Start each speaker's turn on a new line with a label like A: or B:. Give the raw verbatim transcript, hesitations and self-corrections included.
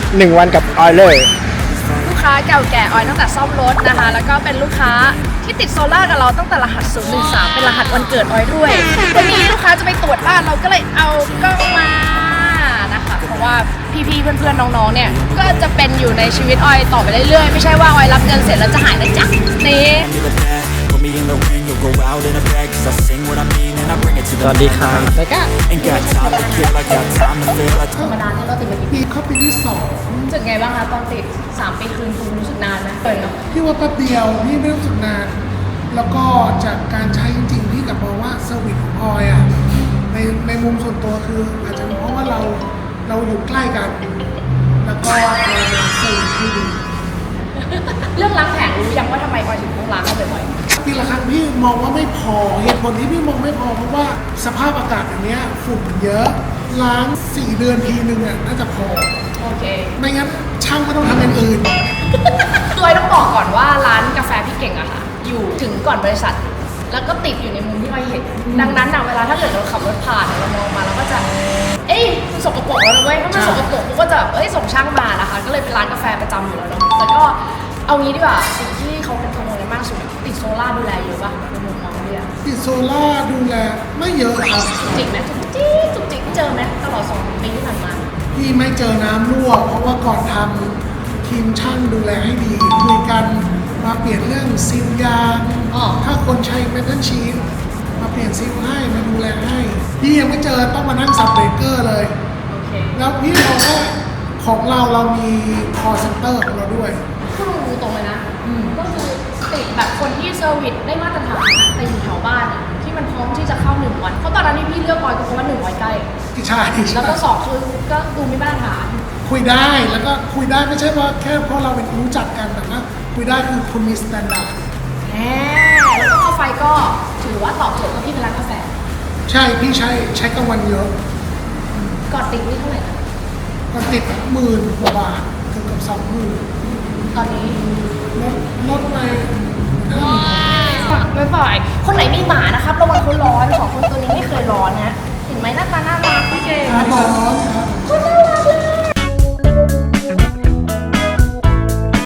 A: หนึ่งวันกับออยเลย
B: ลูกค้าเก่าแก่ออยตั้งแต่ซ่อมรถนะคะแล้วก็เป็นลูกค้าที่ติดโซล่ากับเราตั้งแต่รหัสศูนย์หนึ่งสามเป็นรหัสวันเกิดออยด้วยวันนี้ลูกค้าจะไปตรวจบ้านเราก็เลยเอากล้องมานะคะเพราะว่าพี่ๆเพื่อนๆน้องๆเนี่ยก็จะเป็นอยู่ในชีวิตออยต่อไปเรื่อยๆไม่ใช่ว่าออยรับเงินเสร็จแล้วจะหายนะจ๊ะนี่
A: สวัสดีครับแล้วก็
B: ธรรมดาที่เราติดมากี่ปี
C: ปีเข้าปีที่สอง
B: รู้สึกไงบ้างคะตอนติดสามปีคืนคุณรู้สึกนานไหมเกินเนาะ
C: พี่ว่าแป๊บเดียวพี่ไม่รู้สึกนาน แล้วก็จากการใช้จริงๆพี่กลับมองว่าเซอร์วิสของออยอ่ะในในมุมส่วนตัวคืออาจจะเป็นเพราะว่าเราเราอยู่ใกล้กัน แล้วก็เราเซอร์วิสที่ดี
B: เรื่องล้างแผงรู้ยังว่าทำไมออยถึงต้องล้างเขาบ่อยๆ
C: ปีละครั้งพี่มองว่าไม่พอเหตุผลที่พี่มองไม่พอเพราะว่าสภาพอากาศอย่างเนี้ยฝุ่นเยอะล้างสี่เดือนทีนึงอ่ะน่าจะพอ
B: โอเค
C: ไม่งั้นช่างก็ต้องทำอย่างอื่น
B: ตัวต้องบอกก่อนว่าร้านกาแฟพี่เก่งอะค่ะอยู่ถึงก่อนบริษัท แล้วก็ติดอยู่ในมุมที่ออยเห็น ดังนั้นอะเวลาถ้าเกิดเราขับรถผ่านเรามองมาเราก็จะ เอ้ยมันสกปรกแล้วนะเว้ยถ้ามันสกปรกกูก็จะเอ้ยส่งช่างมานะคะ ก็เลยเป็นร้านกาแฟประจำอยู่แล้วเนาะแล้วก็เอางี้ดีกว่าสิ่งที่เขาเป็นกังวลกันมากสุดติดโซล่าดูแลเยอะป่ะในมุมมองเรีย
C: ติดโซล่าดูแลไม่เยอะครับ
B: จริงไหมจุกจิกจุกจิกเจอไหมตลอดสองปีที่ผ่านมา
C: พี่ไม่เจอน้ำรั่วเพราะว่าก่อนทำทีมช่างดูแลให้ดีคุยกันมาเปลี่ยนเรื่องซีลยาง
B: อ๋อ
C: ถ้าคนใช้เมทัลชีทมาเปลี่ยนซีลให้มาดูแลให้ พี่ยังไม่เจอต้องมานั่งสับเบรกเกอร์เลย
B: โอเค
C: แล้วพี่มองว่าของเราเรามีคอเซ็นเตอร์ของเราด้วย
B: พูดตรงๆเลยนะ ก็คือติดแบบคนที่เซอร์วิสได้มาตรฐานอะแต่อยู่แถวบ้านอะที่มันพร้อมที่จะเข้าหนึ่งวัน เพราะตอนนั้นที่พี่เลือกบอยก็เพราะว่าหนึ่งวันใกล้
C: ที่ใช่
B: แล้วก็สองคือก็ดูมีมาตรฐาน
C: คุยได้แล้วก็คุยได้ไม่ใช่ว่าแค่เพราะเราเป็นรู้จักกันแต่ว่าคุยได้คือคุณมีสแตนดาร์ด
B: แหมแล้วก็ค่าไฟก็ถือว่าตอบโจทย์กับพี่เป็นร้านกาแฟ
C: ใช่พี่ใช้ใช้กลางวันเยอะ
B: ก่อนติดนี่เท่าไหร่นะ
C: ก็ติดหมื่นกว่าบาทเกือบกับสองหมื่น
B: ตอนนี้
C: ลดลดไป
B: ไม่ปล่อยคนไหนมีหมานะครับระวังเขาร้อนสองคน